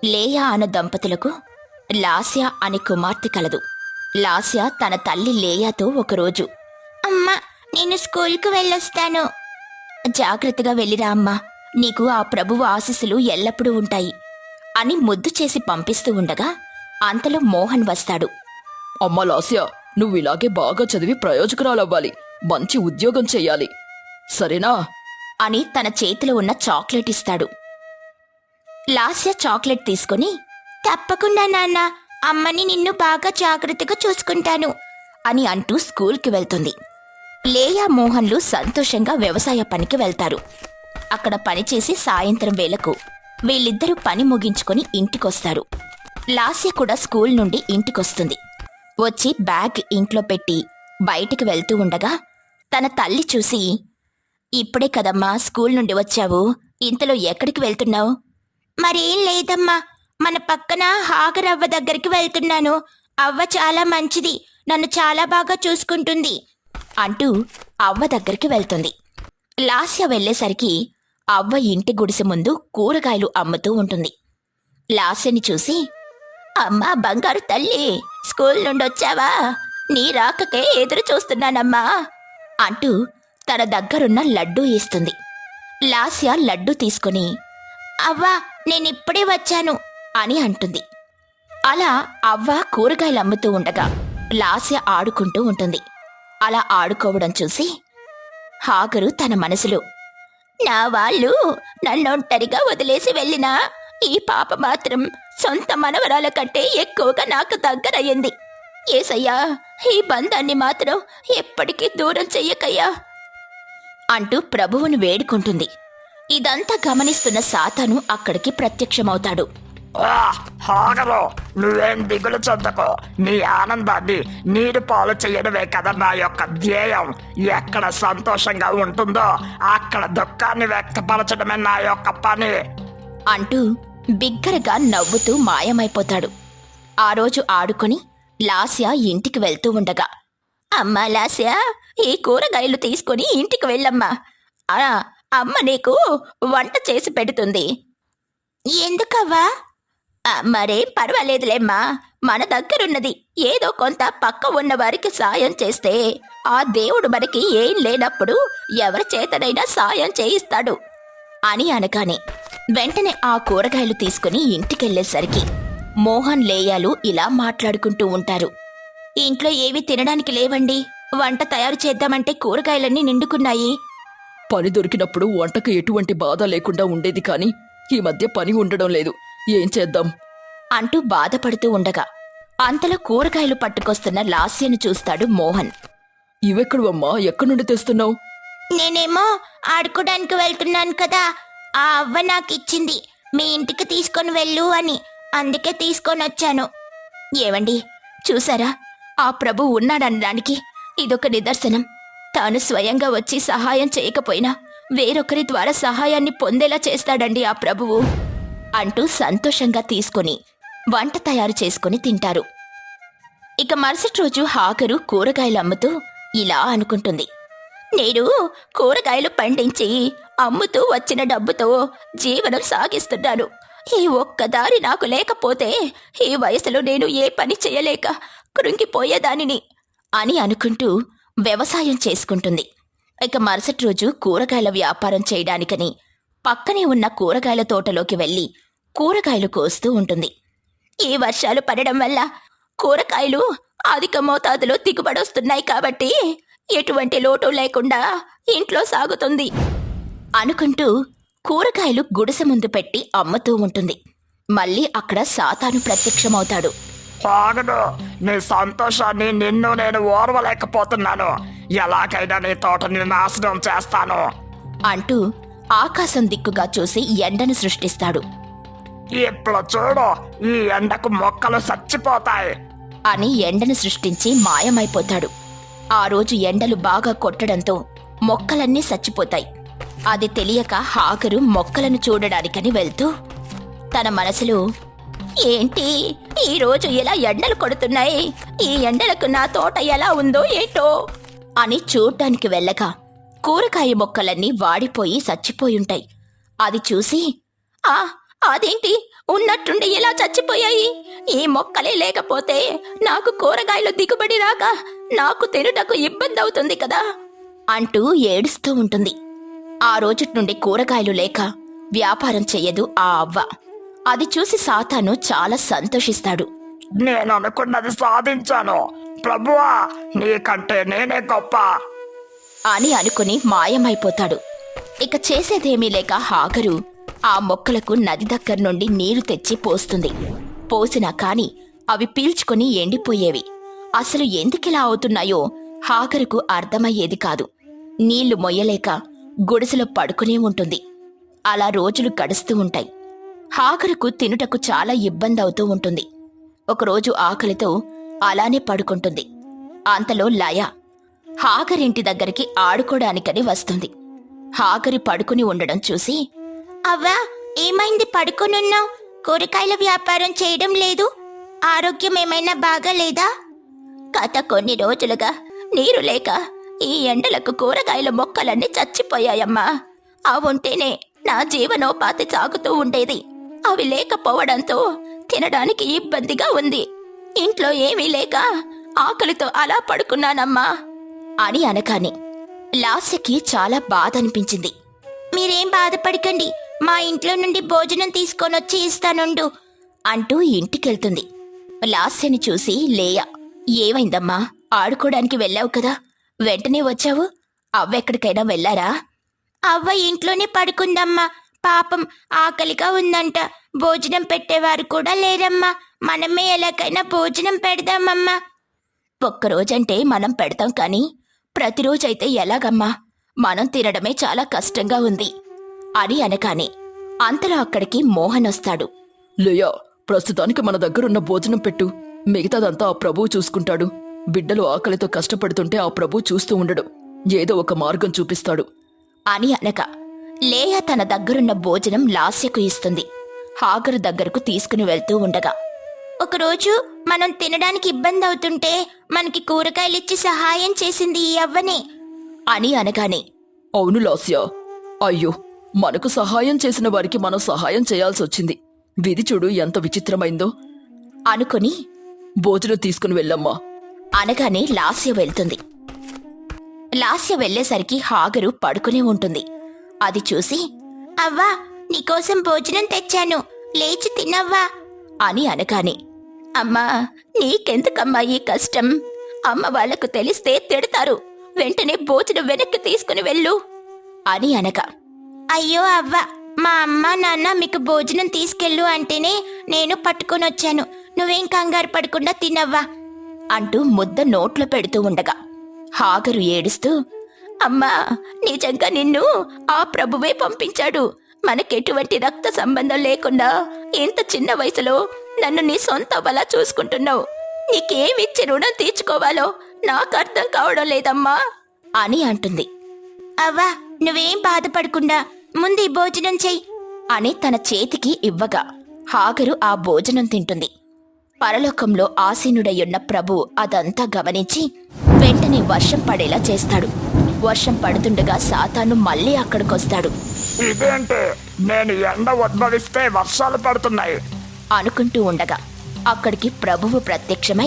లేయా అనే దంపతులకు లాస్య అనే కుమార్తె కలదు. లాస్య తన తల్లి లేయాతో ఒకరోజు, అమ్మా, నేను స్కూల్కి వెళ్ళొస్తాను. జాగ్రత్తగా వెళ్ళిరా అమ్మా, నీకు ఆ ప్రభువు ఆశీస్సులు ఎల్లప్పుడూ ఉంటాయి అని ముద్దు చేసి పంపిస్తూ ఉండగా అంతలో మోహన్ వస్తాడు. అమ్మా లాస్య, నువ్వు ఇలాగే బాగా చదివి ప్రయోజకురాలవ్వాలి, మంచి ఉద్యోగం చెయ్యాలి, సరేనా అని తన చేతిలో ఉన్న చాక్లెట్ ఇస్తాడు. లాస్య చాక్లెట్ తీసుకుని, తప్పకుండా నాన్న, అమ్మని నిన్ను బాగా జాగ్రత్తగా చూసుకుంటాను అని అంటూ స్కూల్కి వెళ్తుంది. లేయా మోహన్లు సంతోషంగా వ్యవసాయ పనికి వెళ్తారు. అక్కడ పనిచేసి సాయంత్రం వేళకు వీళ్ళిద్దరూ పని ముగించుకొని ఇంటికొస్తారు. లాస్య కూడా స్కూల్ నుండి ఇంటికొస్తుంది. వచ్చి బ్యాగ్ ఇంట్లో పెట్టి బయటికి వెళ్తూ ఉండగా తన తల్లి చూసి, ఇప్పుడే కదమ్మా స్కూల్ నుండి వచ్చావు, ఇంతలో ఎక్కడికి వెళ్తున్నావు? మరేం లేదమ్మా, మన పక్కన హాగరవ్వ దగ్గరికి వెళ్తున్నాను. అవ్వ చాలా మంచిది, నన్ను చాలా బాగా చూసుకుంటుంది అంటూ అవ్వ దగ్గరికి వెళ్తుంది. లాస్య వెళ్లేసరికి అవ్వ ఇంటి గుడిసె ముందు కూరగాయలు అమ్ముతూ ఉంటుంది. లాస్యని చూసి, అమ్మా బంగారు తల్లి, స్కూల్ నుండి వచ్చావా? నీ రాకకే ఎదురు చూస్తున్నానమ్మా అంటూ తన దగ్గరున్న లడ్డూ ఇస్తుంది. లాస్య లడ్డూ తీసుకుని, అవ్వా, నేనిప్పుడే వచ్చాను అని అంటుంది. అలా అవ్వ కూరగాయలు అమ్ముతూ ఉండగా లాస్య ఆడుకుంటూ ఉంటుంది. అలా ఆడుకోవడం చూసి హాగరు తన మనసులో, నా వాళ్ళు నన్నొంటరిగా వదిలేసి వెళ్ళినా ఈ పాప మాత్రం సొంత మనవరాల కంటే ఎక్కువగా నాకు దగ్గరయ్యింది. ఏసయ్యా, ఈ బంధాన్ని మాత్రం ఎప్పటికీ దూరం చెయ్యకయ్యా అంటూ ప్రభువుని వేడుకుంటుంది. ఇదంతా గమనిస్తున్న సాతాను అక్కడికి ప్రత్యక్షమవుతాడు. హాగరు, నువ్వేం దిగులు చెందకు, నీ ఆనందాన్ని నీరు పాలు చేయడమే కదా నా యొక్క ధ్యేయం. ఎక్కడ సంతోషంగా ఉంటుందో అక్కడ దుఃఖాన్ని వ్యక్తపరచడమే నా యొక్క పని అంటూ బిగ్గరగా నవ్వుతూ మాయమైపోతాడు. ఆ రోజు ఆడుకొని లాస్య ఇంటికి వెళ్తూ ఉండగా, అమ్మా లాస్య, ఈ కూరగాయలు తీసుకుని ఇంటికి వెళ్ళమ్మా, అమ్మ నీకు వంట చేసి పెడుతుంది. ఎందుకవ్వా? మరేం పర్వాలేదులేమ్మా, మన దగ్గరున్నది ఏదో కొంత పక్క ఉన్న వారికి సాయం చేస్తే ఆ దేవుడు మనకి ఏం లేనప్పుడు ఎవరి చేతనైనా సాయం చేయిస్తాడు అని అనగానే వెంటనే ఆ కూరగాయలు తీసుకుని ఇంటికెళ్లేసరికి మోహన్ లేయాలు ఇలా మాట్లాడుకుంటూ ఉంటారు. ఇంట్లో ఏవి తినడానికి లేవండి, వంట తయారు చేద్దామంటే కూరగాయలన్నీ నిండుకున్నాయి. పని దొరికినప్పుడు వంటకు ఎటువంటి బాధ లేకుండా ఉండేది, కానీ ఈ మధ్య పని ఉండడం లేదు, ఏం చేద్దాం అంటూ బాధపడుతూ ఉండగా అంతలో కూరగాయలు పట్టుకొస్తున్న లాస్యను చూస్తాడు మోహన్. ఇవెక్కడవమ్మా, ఎక్కడి నుండి తెస్తున్నావు? నేనేమో ఆడుకోడానికి వెళ్తున్నాను కదా, ఆ అవ్వ నాకిచ్చింది, మీ ఇంటికి తీసుకొని వెళ్ళు అని, అందుకే తీసుకొని వచ్చాను. ఏవండి, చూసారా, ఆ ప్రభు ఉన్నాడనడానికి ఇదొక నిదర్శనం. తాను స్వయంగా వచ్చి సహాయం చేయకపోయినా వేరొకరి ద్వారా సహాయాన్ని పొందేలా చేస్తాడండి ఆ ప్రభువు అంటూ సంతోషంగా తీసుకుని వంట తయారు చేసుకుని తింటారు. ఇక మరుసటి రోజు హాగరు కూరగాయలు అమ్ముతూ ఇలా అనుకుంటుంది, నేను కూరగాయలు పండించి అమ్ముతూ వచ్చిన డబ్బుతో జీవనం సాగిస్తున్నాను. ఈ ఒక్కదారి నాకు లేకపోతే ఈ వయసులో నేను ఏ పని చేయలేక కృంగిపోయేదానిని అని అనుకుంటూ వ్యవసాయం చేసుకుంటుంది. ఇక మరుసటి రోజు కూరగాయల వ్యాపారం చేయడానికని పక్కనే ఉన్న కూరగాయల తోటలోకి వెళ్లి కూరగాయలు కోస్తూ ఉంటుంది. ఈ వర్షాలు పడడం వల్ల కూరగాయలు అధిక మోతాదులో దిగుబడొస్తున్నాయి కాబట్టి ఎటువంటి లోటు లేకుండా ఇంట్లో సాగుతుంది అనుకుంటూ కూరగాయలు గుడిసె ముందు పెట్టి అమ్ముతూ ఉంటుంది. మళ్ళీ అక్కడ సాతాను ప్రత్యక్షమవుతాడు. హాగరు, నీ సంతోషాన్ని నిన్ను నేను ఓర్వలేకపోతున్నాను, ఎలాగైనా నీ తోటని నాశనం చేస్తాను అంటూ ఆకాశం దిక్కుగా చూసి ఎండను సృష్టిస్తాడు. ఇప్పుడు చూడు, ఈ ఎండకు మొక్కలు చచ్చిపోతాయి అని ఎండను సృష్టించి మాయమైపోతాడు. ఆ రోజు ఎండలు బాగా కొట్టడంతో మొక్కలన్నీ చచ్చిపోతాయి. అది తెలియక హాగరు మొక్కలను చూడడానికని వెళ్తూ తన మనసులో, ఏంటి ఈరోజు ఇలా ఎండలు కొడుతున్నాయి, ఈ ఎండలకు నా తోట ఎలా ఉందో ఏంటో అని చూడ్డానికి వెళ్ళగా కూరగాయ మొక్కలన్నీ వాడిపోయి చచ్చిపోయుంటాయి. అది చూసి, అదేంటి ఉన్నట్టుండి ఎలా చచ్చిపోయాయి? ఈ మొక్కలే లేకపోతే నాకు కూరగాయలు దిగుబడి రాక నాకు తినుటకు ఇబ్బంది అవుతుంది కదా అంటూ ఏడుస్తూ ఉంటుంది. ఆ రోజుటి నుండి కూరగాయలు లేక వ్యాపారం చెయ్యదు ఆ అవ్వ. అది చూసి సాతాను చాలా సంతోషిస్తాడు. నేను అనుకున్నది సాధించాను ప్రభువా, నీకంటే నేనే గొప్ప అని అనుకుని మాయమైపోతాడు. ఇక చేసేదేమీ లేక హాగరు ఆ మొక్కలకు నది దగ్గర నుండి నీరు తెచ్చి పోస్తుంది. పోసినా కాని అవి పీల్చుకుని ఎండిపోయేవి. అసలు ఎందుకిలా అవుతున్నాయో హాగరుకు అర్థమయ్యేది కాదు. నీళ్లు మొయ్యలేక గుడిసెలో పడుకునే ఉంటుంది. అలా రోజులు గడుస్తూ ఉంటాయి. హాగరుకు తినుటకు చాలా ఇబ్బంది అవుతూ ఉంటుంది. ఒకరోజు ఆకలితో అలానే పడుకుంటుంది. అంతలో లయ హాగరింటి దగ్గరికి ఆడుకోడానికని వస్తుంది. హాగరి పడుకుని ఉండడం చూసి, అవ్వా ఏమైంది పడుకునున్నావు? కూరగాయల వ్యాపారం చేయడం లేదు? ఆరోగ్యం ఏమైనా బాగాలేదా? గత కొన్ని రోజులుగా నీరు లేక ఈ ఎండలకు కూరగాయల మొక్కలన్నీ చచ్చిపోయాయమ్మా. అవుంటేనే నా జీవనోపాధి సాగుతూ ఉండేది. అవి లేకపోవడంతో తినడానికి ఇబ్బందిగా ఉంది. ఇంట్లో ఏమీ లేక ఆకలితో అలా పడుకున్నానమ్మా అని అనగానే లాస్యకి చాలా బాధ అనిపించింది. మీరేం బాధపడకండి, మా ఇంట్లో నుండి భోజనం తీసుకొనొచ్చి ఇస్తానుండు అంటూ ఇంటికెళ్తుంది. లాస్యని చూసి లేయ, ఏమైందమ్మా? ఆడుకోవడానికి వెళ్ళావు కదా, వెంటనే వచ్చావు? అవ్వెక్కడికైనా వెళ్ళారా? అవ్వ ఇంట్లోనే పడుకుందమ్మా. పాపం ఆకలిగా ఉందంట. భోజనం పెట్టేవారు కూడా లేరమ్మా. మనమే ఎలాగైనా భోజనం పెడదామమ్మా. ఒక్కరోజంటే మనం పెడతాం కానీ ప్రతిరోజైతే ఎలాగమ్మా? మనం తినడమే చాలా కష్టంగా ఉంది అని అనగానే అంతలో అక్కడికి మోహన్ వస్తాడు. లేయా, ప్రస్తుతానికి మన దగ్గరున్న భోజనం పెట్టు, మిగతాదంతా ఆ ప్రభువు చూసుకుంటాడు. బిడ్డలు ఆకలితో కష్టపడుతుంటే ఆ ప్రభువు చూస్తూ ఉండడు, ఏదో ఒక మార్గం చూపిస్తాడు అని అనగా లేయ తన దగ్గరున్న భోజనం లాస్యకు ఇస్తుంది. హాగరు దగ్గరకు తీసుకుని వెళ్తూ ఉండగా, ఒకరోజు మనం తినడానికి ఇబ్బంది అవుతుంటే మనకి కూరగాయలిచ్చి సహాయం చేసింది ఈ అవ్వనే అని అనగానే, అవును లాస్య, అయ్యో మనకు సహాయం చేసిన వారికి మనం సహాయం చేయాల్సొచ్చింది. విధి చూడు ఎంత విచిత్రమైందో అనుకుని భోజనం తీసుకుని వెళ్ళమ్మా అనగానే లాస్య వెళ్తుంది. లాస్య వెళ్లేసరికి హాగరు పడుకునే ఉంటుంది. అది చూసి, అవ్వా నీకోసం భోజనం తెచ్చాను, లేచి తినవ్వా అని అనగానే, అమ్మా నీకెందుకమ్మా ఈ కష్టం? అమ్మ వాళ్లకు తెలిస్తే తిడతారు, వెంటనే భోజనం వెనక్కి తీసుకుని వెళ్ళు అని అనగా, అయ్యో అవ్వ, మా అమ్మ నాన్న మీకు భోజనం తీసుకెళ్ళు అంటేనే నేను పట్టుకొనొచ్చాను, నువ్వేం కంగారు పడకుండా తినవ్వా అంటూ ముద్ద నోట్లో పెడుతూ ఉండగా హాగరు ఏడుస్తూ, అమ్మా నిజంగా నిన్ను ఆ ప్రభువే పంపించాడు. మనకెటువంటి రక్త సంబంధం లేకుండా ఇంత చిన్న వయసులో నన్ను నీ సొంత వలా చూసుకుంటున్నావు. నీకేమిచ్చి రుణం తీర్చుకోవాలో నాకు అర్థం కావడం లేదమ్మా అని అంటుంది. అవ్వా నువ్వేం బాధపడకుండా ముందు భోజనం చెయ్యి అని తన చేతికి ఇవ్వగా హాగరు ఆ భోజనం తింటుంది. పరలోకంలో ఆసీనుడయ్యున్న ప్రభువు అదంతా గమనించి వెంటనే వర్షం పడేలా చేస్తాడు. వర్షం పడుతుండగా సాతాను మళ్ళీ అక్కడికొస్తాడు. ఇదేంటి, నేను ఎండ ఉద్భవిస్తే వర్షాలు పడుతున్నాయి అనుకుంటూ ఉండగా అక్కడికి ప్రభువు ప్రత్యక్షమై,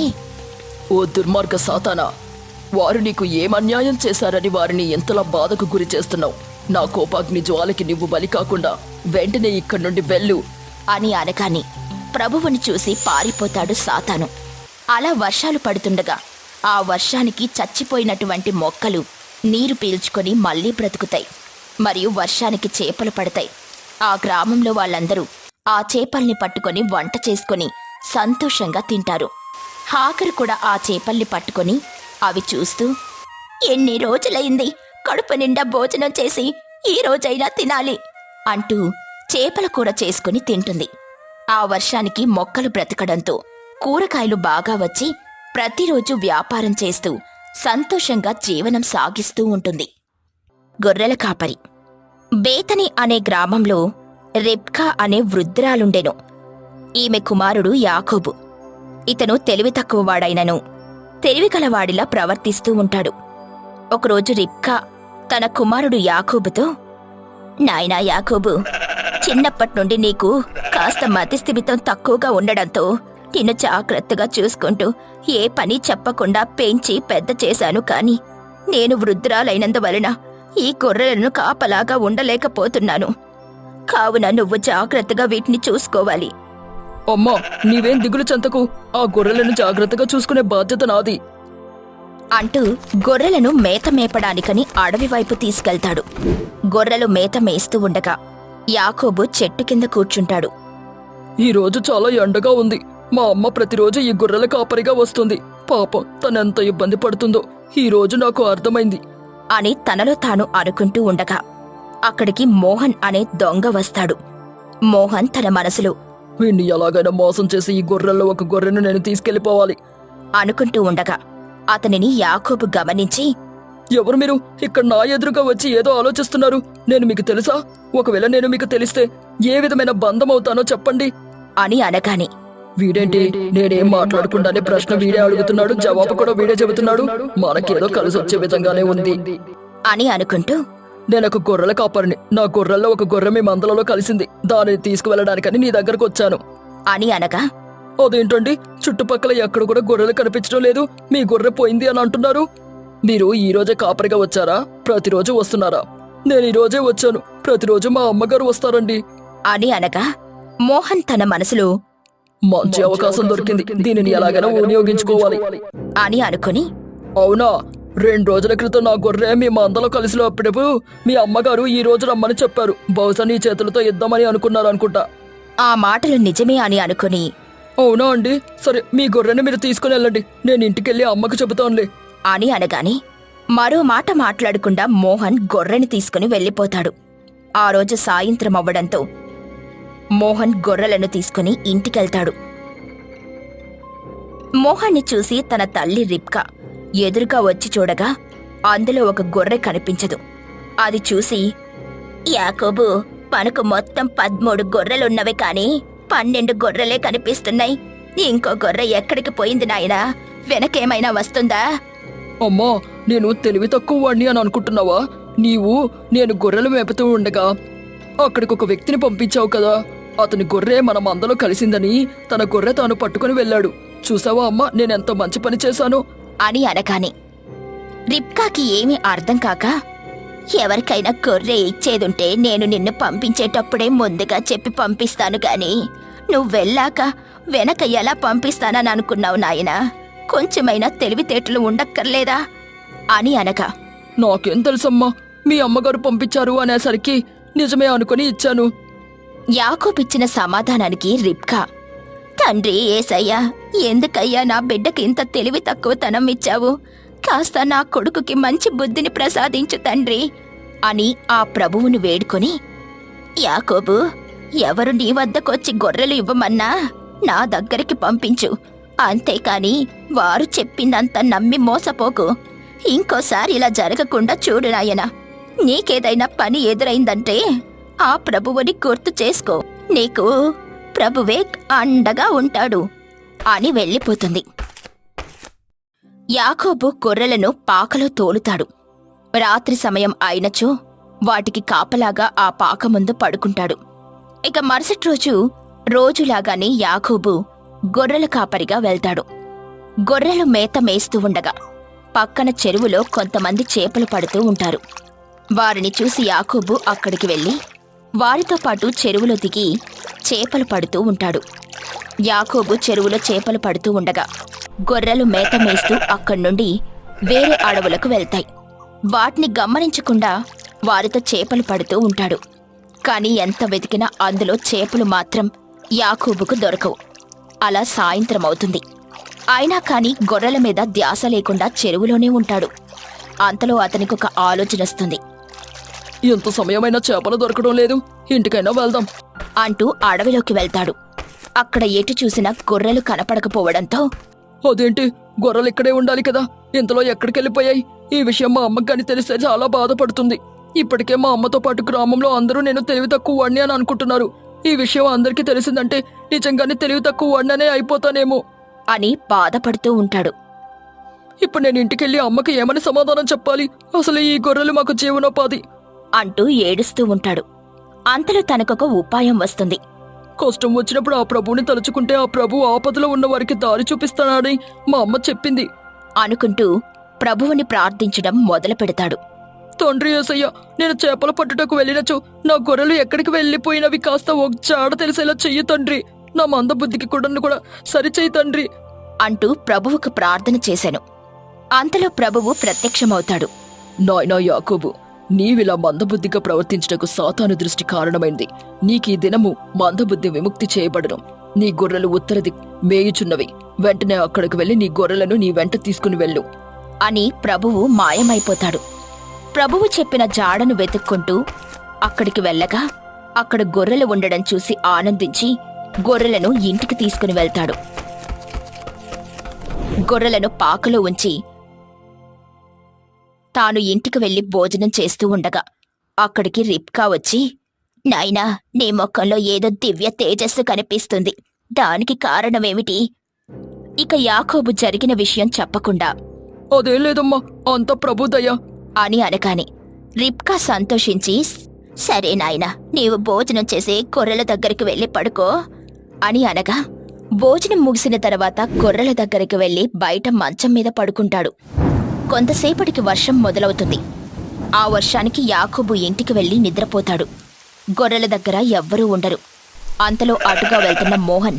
ఓ దుర్మార్గ సాతానా, వారు నీకు ఏమన్యాయం చేశారని వారిని ఎంతలా బాధకు గురి చేస్తున్నావు? నా కోపాగ్ని జ్వాలకి నువ్వు బలి కాకుండా వెంటనే ఇక్కడి నుండి వెళ్ళు అని అనగానే ప్రభువుని చూసి పారిపోతాడు సాతాను. అలా వర్షాలు పడుతుండగా ఆ వర్షానికి చచ్చిపోయినటువంటి మొక్కలు నీరు పీల్చుకొని మళ్లీ బ్రతుకుతాయి. మరియు వర్షానికి చేపలు పడతాయి. ఆ గ్రామంలో వాళ్ళందరూ ఆ చేపల్ని పట్టుకొని వంట చేసుకొని సంతోషంగా తింటారు. హాకరు కూడా ఆ చేపల్ని పట్టుకొని అవి చూస్తూ, ఎన్ని రోజులైంది కడుపు నిండా భోజనం చేసి ఈ రోజైనా తినాలి అంటూ చేపల కూర చేసుకుని తింటుంది. ఆ వర్షానికి మొక్కలు బ్రతకడంతో కూరగాయలు బాగా వచ్చి ప్రతిరోజు వ్యాపారం చేస్తూ సంతోషంగా జీవనం సాగిస్తూ ఉంటుంది. గొర్రెల కాపరి. బేతని అనే గ్రామంలో రెబ్కా అనే వృద్ధురాలుండెను. ఈమె కుమారుడు యాకోబు. ఇతను తెలివి తక్కువవాడైనను తెలివికలవాడిలా ప్రవర్తిస్తూ ఉంటాడు. ఒకరోజు రిబ్కా తన కుమారుడు యాకోబుతో, నాయనా యాకోబు, చిన్నప్పట్నుండి నీకు కాస్త మతిస్థిమితం తక్కువగా ఉండడంతో నిన్ను జాగ్రత్తగా చూసుకుంటూ ఏ పని చెప్పకుండా పెంచి పెద్ద చేశాను కాని నేను వృద్ధురాలైనందువలన ఈ గొర్రెలను కాపలాగా ఉండలేకపోతున్నాను. కావున నువ్వు జాగ్రత్తగా వీటిని చూసుకోవాలి. అమ్మా, నీవేం దిగులు చెంతకు. ఆ గొర్రెలను జాగ్రత్తగా చూసుకునే బాధ్యత నాది అంటూ గొర్రెలను మేత మేపడానికని అడవి వైపు తీసుకెళ్తాడు. గొర్రెలు మేత మేస్తూ ఉండగా యాకోబు చెట్టు కింద కూర్చుంటాడు. ఈ రోజు చాలా ఎండగా ఉంది. మా అమ్మ ప్రతిరోజు ఈ గొర్రెల కాపరిగా వస్తుంది. పాపం, తనెంత ఇబ్బంది పడుతుందో ఈ రోజు నాకు అర్థమైంది అని తనలో తాను అనుకుంటూ ఉండగా అక్కడికి మోహన్ అనే దొంగ వస్తాడు. మోహన్ తన మనసులో వీణ్ణి ఎలాగైనా మోసం చేసి ఈ గొర్రెల్లో ఒక గొర్రెను నేను తీసుకెళ్లిపోవాలి అనుకుంటూ ఉండగా అతనిని యాకోబు గమనించి, ఎవరు మీరు? ఇక్కడ నా ఎదురుగా వచ్చి ఏదో ఆలోచిస్తున్నారు. నేను మీకు తెలుసా? ఒకవేళ నేను మీకు తెలిస్తే ఏ విధమైన బంధం అవుతానో చెప్పండి అని అనగానే వీడేంటి, నేనేం మాట్లాడకుండానే ప్రశ్న వీడే అడుగుతున్నాడు, జవాబు కూడా వీడే చెబుతున్నాడు. మనకేదో కలిసి వచ్చే విధంగానే ఉంది అని అనుకుంటూ, నేనొక గొర్రెల కాపరిని. నా గొర్రెల్లో ఒక గొర్రె మీ మందలలో కలిసింది. దానిని తీసుకువెళ్ళడానికని నీ దగ్గరకు వచ్చాను అని అనగా, అదేంటండి, చుట్టుపక్కల ఎక్కడ కూడా గొర్రెలు కనిపించడం లేదు, మీ గొర్రె పోయింది అని అంటున్నారు. మీరు ఈ రోజే కాపరిగా వచ్చారా? ప్రతిరోజు వస్తున్నారా? నేను ఈ రోజే వచ్చాను. ప్రతిరోజు మా అమ్మగారు వస్తారండి అని అనగా మోహన్ తన మనసులో మంచి అవకాశం దొరికింది, దీనిని ఎలాగైనా వినియోగించుకోవాలి అని అనుకుని, అవునా, 2 రోజుల క్రితం నా గొర్రె మీ మందలో కలిసినప్పుడు మీ అమ్మగారు ఈ రోజు రమ్మని చెప్పారు. బహుశా నీ చేతులతో ఇద్దామని అనుకున్నారు అనుకుంటా. ఆ మాటలు నిజమే అని అనుకుని, అవునా అండి, సరే మీ గొర్రెని మీరు తీసుకుని వెళ్ళండి, నేను ఇంటికెళ్ళి అమ్మకు చెబుతానులే అని అనగానే మరో మాట మాట్లాడకుండా మోహన్ గొర్రెని తీసుకుని వెళ్ళిపోతాడు. ఆ రోజు సాయంత్రం అవ్వడంతో మోహన్ గొర్రెలను తీసుకుని ఇంటికెళ్తాడు. మోహన్ని చూసి తన తల్లి రిబ్కా ఎదురుగా వచ్చి చూడగా అందులో ఒక గొర్రె కనిపించదు. అది చూసి, యాకోబు, మనకు మొత్తం 13 గొర్రెలున్నవి కాని 12 గొర్రెలే కనిపిస్తున్నాయి. ఇంకో గొర్రె ఎక్కడికి పోయింది నాయనా? వెనకేమైనా వస్తుందా? అమ్మా, నేను తెలివి తక్కువ వాణ్ణి అని అనుకుంటున్నావా? నేను గొర్రెలు మేపుతూ ఉండగా అక్కడికి ఒక వ్యక్తిని పంపించావు కదా, అతని గొర్రె మన మందలో కలిసిందని తన గొర్రె తాను పట్టుకుని వెళ్ళాడు. చూసావా అమ్మా, నేనెంత మంచి పని చేశాను అని అనగానే రిబ్కాకి ఏమీ అర్థం కాక, ఎవరికైనా గొర్రె ఇచ్చేదుంటే నేను నిన్ను పంపించేటప్పుడే ముందుగా చెప్పి పంపిస్తాను గాని నువ్వెళ్ళాక వెనక ఎలా పంపిస్తానని అనుకున్నావు నాయనా? కొంచెమైనా తెలివితేటలు ఉండక్కర్లేదా అని అనగా, నాకేం తెలుసమ్మా, మీ అమ్మగారు పంపించారు అనేసరికి నిజమే అనుకుని ఇచ్చాను. యాకోబిచ్చిన సమాధానానికి రిబ్కా, తండ్రి యేసయ్యా, ఎందుకయ్యా నా బిడ్డకి ఇంత తెలివి తక్కువతనం ఇచ్చావు? కాస్త నా కొడుకుకి మంచి బుద్ధిని ప్రసాదించు తండ్రి అని ఆ ప్రభువును వేడుకొని, యాకోబు, ఎవరు నీ వద్దకొచ్చి గొర్రెలు ఇవ్వమన్నా నా దగ్గరికి పంపించు, అంతేకాని వారు చెప్పిందంత నమ్మి మోసపోకు. ఇంకోసారి ఇలా జరగకుండా చూడు నాయనా. నీకేదైనా పని ఎదురైందంటే ఆ ప్రభువుని గుర్తు చేసుకో, నీకు ప్రభువే అండగా ఉంటాడు అని వెళ్ళిపోతుంది. యాకోబు గొర్రెలను పాకలో తోలుతాడు. రాత్రి సమయం అయినచో వాటికి కాపలాగా ఆ పాక ముందు పడుకుంటాడు. ఇక మరుసటి రోజు రోజులాగానే యాకోబు గొర్రెల కాపరిగా వెళ్తాడు. గొర్రెలు మేత మేస్తూ ఉండగా పక్కన చెరువులో కొంతమంది చేపలు పడుతూ ఉంటారు. వారిని చూసి యాకోబు అక్కడికి వెళ్ళి వారితో పాటు చెరువులో దిగి చేపలు పడుతూ ఉంటాడు. యాకోబు చెరువులో చేపలు పడుతూ ఉండగా గొర్రెలు మేత మేస్తూ అక్కడి నుండి వేరే అడవులకు వెళ్తాయి. వాటిని గమనించకుండా వారితో చేపలు పడుతూ ఉంటాడు. కాని ఎంత వెతికినా అందులో చేపలు మాత్రం యాకోబుకు దొరకవు. అలా సాయంత్రం అవుతుంది. అయినా కాని గొర్రెల మీద ధ్యాస లేకుండా చెరువులోనే ఉంటాడు. అంతలో అతనికొక ఆలోచన వస్తుంది. ఎంత సమయమైనా చేపలు దొరకడం లేదు, ఇంటికైనా వెళ్దాం అంటూ అడవిలోకి వెళ్తాడు. అక్కడ ఎటు చూసినా గొర్రెలు కనపడకపోవడంతో, అదేంటి, గొర్రెలు ఇక్కడే ఉండాలి కదా, ఇంతలో ఎక్కడికెళ్ళిపోయాయి? ఈ విషయం మా అమ్మకి కానీ తెలిస్తే చాలా బాధపడుతుంది. ఇప్పటికే మా అమ్మతో పాటు గ్రామంలో అందరూ నేను తెలివి తక్కువ వాణ్ణి అని అనుకుంటున్నారు. ఈ విషయం అందరికీ తెలిసిందంటే నిజంగానే తెలివి తక్కువ వాణ్ణనే అయిపోతానేమో అని బాధపడుతూ ఉంటాడు. ఇప్పుడు నేను ఇంటికెళ్ళి అమ్మకి ఏమని సమాధానం చెప్పాలి? అసలు ఈ గొర్రెలు మాకు జీవనోపాధి అంటూ ఏడుస్తూ ఉంటాడు. అంతలో తనకొక ఉపాయం వస్తుంది. కష్టం వచ్చినప్పుడు ఆ ప్రభువుని తలుచుకుంటే ఆ ప్రభు ఆపదలో ఉన్న వారికి దారి చూపిస్తానని మా అమ్మ చెప్పింది అనుకుంటూ ప్రభువుని ప్రార్థించడం మొదలు పెడతాడు. తండ్రి యేసయ్య, నేను చేపల పట్టుటకు వెళ్ళినచో నా గొర్రెలు ఎక్కడికి వెళ్ళిపోయినవి కాస్త ఒక జాడ తెలిసేలా చెయ్యి తండ్రి. నా మందబుద్ధికి కూడా సరిచేయి తండ్రి అంటూ ప్రభువుకు ప్రార్థన చేశాను. అంతలో ప్రభువు ప్రత్యక్షమవుతాడు. నాయనా యాకోబు, నీవిలా మందబుద్ధిగా ప్రవర్తించటకు సాతాను దృష్టి కారణమైంది. నీకీ దినము మందబుద్ధి విముక్తి చేయబడను. నీ గొర్రెలు ఉత్తర మేయుచున్నవి. వెంటనే అక్కడికి వెళ్లి నీ గొర్రెలను నీ వెంట తీసుకుని వెళ్ళు అని ప్రభువు మాయమైపోతాడు. ప్రభువు చెప్పిన జాడను వెతుక్కుంటూ అక్కడికి వెళ్ళగా అక్కడ గొర్రెలు ఉండడం చూసి ఆనందించి గొర్రెలను ఇంటికి తీసుకుని వెళ్తాడు. గొర్రెలను పాకలో ఉంచి తాను ఇంటికి వెళ్లి భోజనం చేస్తూ ఉండగా అక్కడికి రిబ్కా వచ్చి, నాయనా, నీ ముఖంలో ఏదో దివ్య తేజస్సు కనిపిస్తుంది. దానికి కారణమేమిటి? ఇక యాకోబు జరిగిన విషయం చెప్పకుండా, అదేం లేదమ్మా, అంత ప్రభు దయ అని అనగానే రిబ్కా సంతోషించి, సరే నాయనా, నీవు భోజనం చేసి గొర్రెల దగ్గరికి వెళ్లి పడుకో అని అనగా భోజనం ముగిసిన తర్వాత గొర్రెల దగ్గరికి వెళ్లి బయట మంచం మీద పడుకుంటాడు. కొంతసేపటికి వర్షం మొదలవుతుంది. ఆ వర్షానికి యాకోబు ఇంటికి వెళ్లి నిద్రపోతాడు. గొర్రెల దగ్గర ఎవ్వరూ ఉండరు. అంతలో అటుగా వెళ్తున్న మోహన్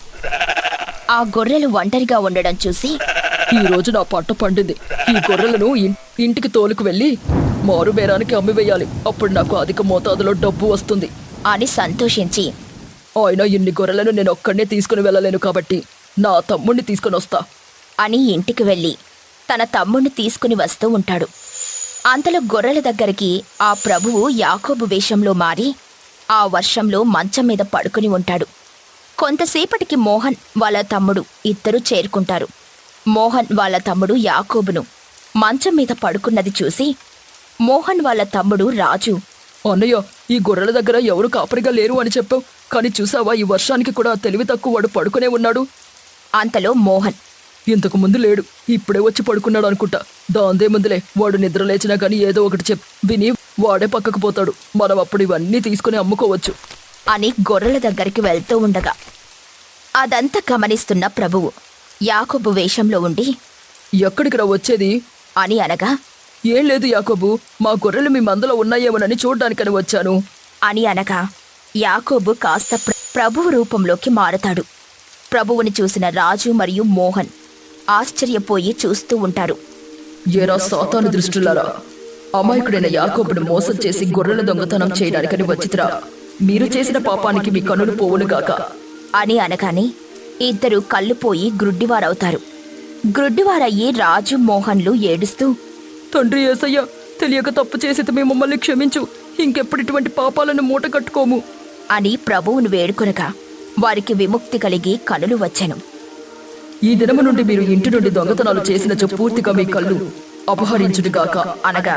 ఆ గొర్రెలు ఒంటరిగా ఉండడం చూసి, ఈ రోజు నా పంట పండింది. ఈ గొర్రెలను ఇంటికి తోలుకు వెళ్లి మారు బేరానికి అమ్మివేయాలి. అప్పుడు నాకు అధిక మోతాదులో డబ్బు వస్తుంది అని సంతోషించి, ఆయన ఇన్ని గొర్రెలను నేను ఒక్కడనే తీసుకుని వెళ్ళలేను కాబట్టి నా తమ్ముణ్ణి తీసుకుని వస్తా అని ఇంటికి వెళ్లి తన తమ్ముణ్ణి తీసుకుని వస్తూ ఉంటాడు. అంతలో గొర్రెల దగ్గరికి ఆ ప్రభువు యాకోబు వేషంలో మారి ఆ వర్షంలో మంచం మీద పడుకుని ఉంటాడు. కొంతసేపటికి మోహన్ వాళ్ళ తమ్ముడు ఇద్దరూ చేరుకుంటారు. మోహన్ వాళ్ళ తమ్ముడు యాకోబును మంచం మీద పడుకున్నది చూసి, మోహన్ వాళ్ళ తమ్ముడు రాజు, అన్నయ్య, ఈ గొర్రెల దగ్గర ఎవరు కాపరిగా లేరు అని చెప్పావు, కానీ చూసావా, ఈ వర్షానికి కూడా తెలివి తక్కువ వాడు పడుకునే ఉన్నాడు. అంతలో మోహన్, ఇంతకు ముందు లేడు, ఇప్పుడే వచ్చి పడుకున్నాడు అనుకుంటా. దాందే ముందులే, వాడు నిద్ర లేచినా కానీ ఏదో ఒకటి విని వాడే పక్కకు పోతాడు. మనం అప్పుడు ఇవన్నీ తీసుకుని అమ్ముకోవచ్చు అని గొర్రెల దగ్గరికి వెళ్తూ ఉండగా అదంతా గమనిస్తున్న ప్రభువు యాకోబు వేషంలో ఉండి, ఎక్కడికి రా వచ్చేది అని అనగా, ఏం లేదు యాకోబు, మా గొర్రెలు మీ మందలో ఉన్నాయేమోనని చూడ్డానికని వచ్చాను అని అనగా యాకోబు కాస్త ప్రభువు రూపంలోకి మారతాడు. ప్రభువుని చూసిన రాజు మరియు మోహన్ ఆశ్చర్యపోయి చూస్తూ ఉంటారు. ఏరా సాతాను దృష్టిలారా, అమాయకుడైన యాకోబును మోసం చేసి గొర్రెల దొంగతనం చేయడానికని వచ్చితిరా. మీరు చేసిన పాపానికి మీ కన్నులు పోవునుగాక అని అనగానే ఇద్దరు కళ్ళు పోయి గ్రుడ్డివారవుతారు. గ్రుడ్డివారయ్యి రాజు మోహన్లు ఏడుస్తూ, తండ్రి యేసయ్య, తెలియక తప్పు చేసి మేము మమ్మల్ని క్షమించు, ఇంకెప్పుడు ఇటువంటి పాపాలను మూట కట్టుకోము అని ప్రభువును వేడుకొనగా వారికి విముక్తి కలిగి కనులు వచ్చెను. ఈ దినము నుండి మీరు ఇంటి నుండి దొంగతనాలు చేసినచో పూర్తిగా మీ కళ్ళు అపహరించుడుగాక అనగా,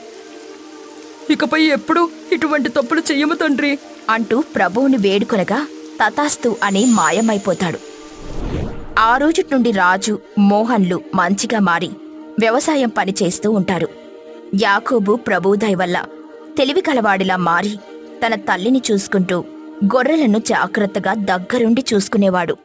ఇకపై ఎప్పుడు ఇటువంటి తప్పులు చెయ్యము తండ్రి అంటూ ప్రభువుని వేడుకొనగా తతాస్తు అని మాయమైపోతాడు. ఆ రోజు నుండి రాజు మోహన్లు మంచిగా మారి వ్యవసాయం పని చేస్తూ ఉంటారు. యాకోబు ప్రభువు దయ వల్ల తెలివి కలవాడిలా మారి తన తల్లిని చూసుకుంటూ గొర్రెలను జాగ్రత్తగా దగ్గరుండి చూసుకునేవాడు.